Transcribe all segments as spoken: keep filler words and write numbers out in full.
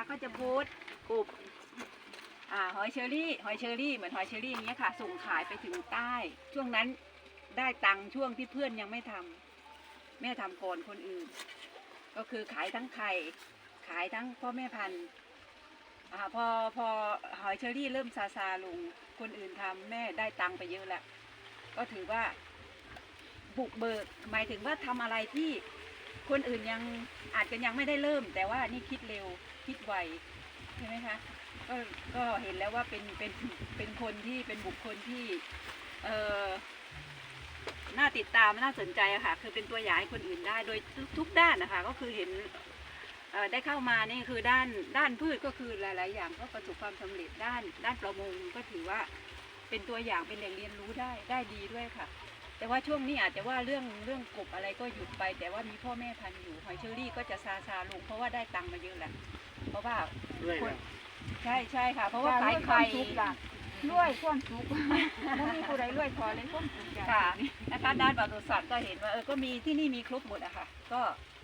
ก็จะโพสต์กลุ่มอ่าหอยเชอรี่หอยเชอรี่เหมือนหอยเชอรี่อย่างเงี้ยค่ะส่งขายไปถึงใต้ช่วงนั้นได้ตังค์ช่วงที่เพื่อนยังไม่ทำแม่ทำก่อนคนอื่นก็คือขายทั้งไข่ขายทั้งพ่อแม่พันธุ์อ่าพอพอหอยเชอรี่เริ่มซาซาลงคนอื่นทำแม่ได้ตังค์ไปเยอะแล้วก็ถือว่าบุกเบิกหมายถึงว่าทำอะไรที่คนอื่นยังอาจจะยังไม่ได้เริ่มแต่ว่านี่คิดเร็วคิดไวใช่ไหมคะก็ก็เห็นแล้วว่าเป็นเป็นเป็นคนที่เป็นบุคคลที่เอ่อน่าติดตามน่าสนใจอะค่ะคือเป็นตัวอย่างให้คนอื่นได้โดยทุกด้านนะคะก็คือเห็นได้เข้ามานี่คือด้านด้านพืชก็คือหลายๆอย่างก็ประสบความสำเร็จด้านด้านประมงก็ถือว่าเป็นตัวอย่างเป็นแหล่งเรียนรู้ได้ได้ดีด้วยค่ะแต่ว่าช่วงนี้อาจจะว่าเรื่องเรื่องกบอะไรก็หยุดไปแต่ว่ามีพ่อแม่พันธุ์อยู่หอยเชอรี่ก็จะซาซาลงเพราะว่าได้ตังค์มาเยอะแหละเพราะว่าใช่ใช่ค่ะเพราะว่าขายไข่รวยความสุขไม่มีผู้ใดรวยพอเลยความสุขค่ะนะคะด้านปศุสัตว์ก็เห็นว่าเออก็มีที่นี่มีครบหมดอะค่ะก็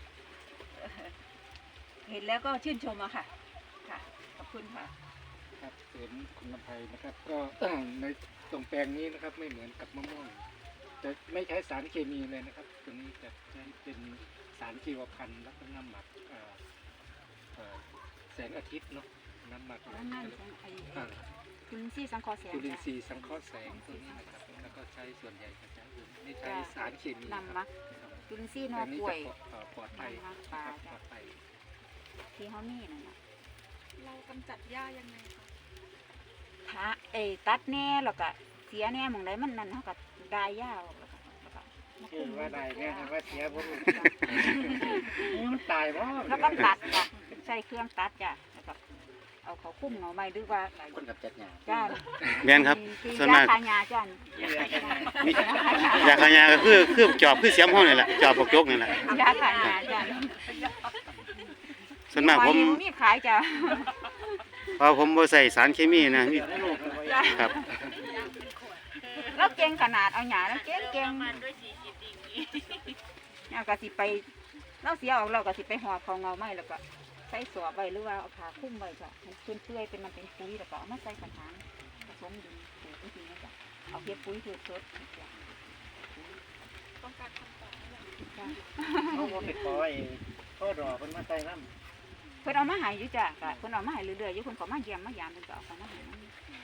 เห็นแล้วก็ชื่นชมอะค่ะค่ะขอบคุณค่ะครับสวนคุณลำไพนะครับก็ในตรงแปลงนี้นะครับไม่เหมือนกับมะม่วงจะไม่ใช้สารเคมีเลยนะครับตัวนี้จะใช้เป็นสารชีวพันธุ์แล้วก็น้ำหมักแสงอาทิตย์เนาะน้ำหมักจุลินทรีย์สังเคราะห์แสงจุลินทรีย์สังเคราะห์แสงตัวนี้นะครับแล้วก็ใช้ส่วนใหญ่จะใช้ไม่ใช้สารเคมีน้ำหมักจุลินทรีย์นอป่วยปลอดภัยปลอดภัยที่เขามีนั่นแหละเรากำจัดหญ้ายังไงคะถ้าเอตัดแน่แล้วก็เสียแน่มองได้มันนั่นเขาก็ได้หญ้าแล้วก็คือว่าได้แน่ว่าเสียผมมันตายเพราะแล้วก็ตัดจ้ะใช้เครื่องตัดจ้ะแล้วก็เอาเขาคุ้มเอาไม้หรือว่าคนกับจัดหญ้าจ้าแม่นครับส่วนมากขายหญ้าจ้ะยาขายหญ้าก็คือคือจอบคือเสียมห้องนี่แหละจอบปกจกนี่แหละยาขายหญ้าจ้ะส่วนมากผมมีขายจ้ะเพราะผมบ่ใส่สารเคมีนะครับแล้วเก่งขนาดเอาหญ้าแล้วเก่งเก่งเนี่ยก็สิไปเราเสียออกเราก็สิไปห่อเขาเงาไม้แล้วก็ใส่สวบไว้หรือว่าเอาผ้าคลุมไว้จ้ะมันเปื่อยๆเป็นมันเป็นปุ๋ยแล้วก็เอามาใส่กระถางผสมดินปลูกจริงๆนะจ้ะเอาเก็บปุ๋ยคือสดต้องการคำตอบนี่แหละเขาบอกไปขอไอ้พ่อรอเพิ่นมาใส่น้ำเพิ่นเอามาหายอยู่จ้ะเพิ่นเอามาหายเรื่อยๆอยู่คนเขามาเยี่ยมมายามเพิ่นก็เอาเขามาหาย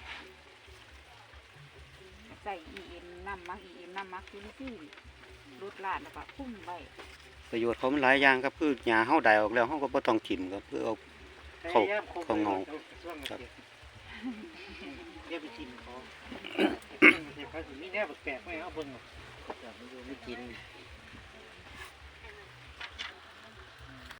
ใส่อีเอ็นน้ำมักอีเอ็นน้ำมักคือที่รุดลาดแล้วก็พุ่งไปประโยชน์เขามันหลายอย่างครับคือหญ้าเฮาได้ออกแล้วเฮาก็บ่ต้องถิ่มครับเพื่อเอาเข้าเข้าเงาครับเรียกไปกินเขาเขามีแนวแปลกๆไหมเอาเบิ่งไม่กิน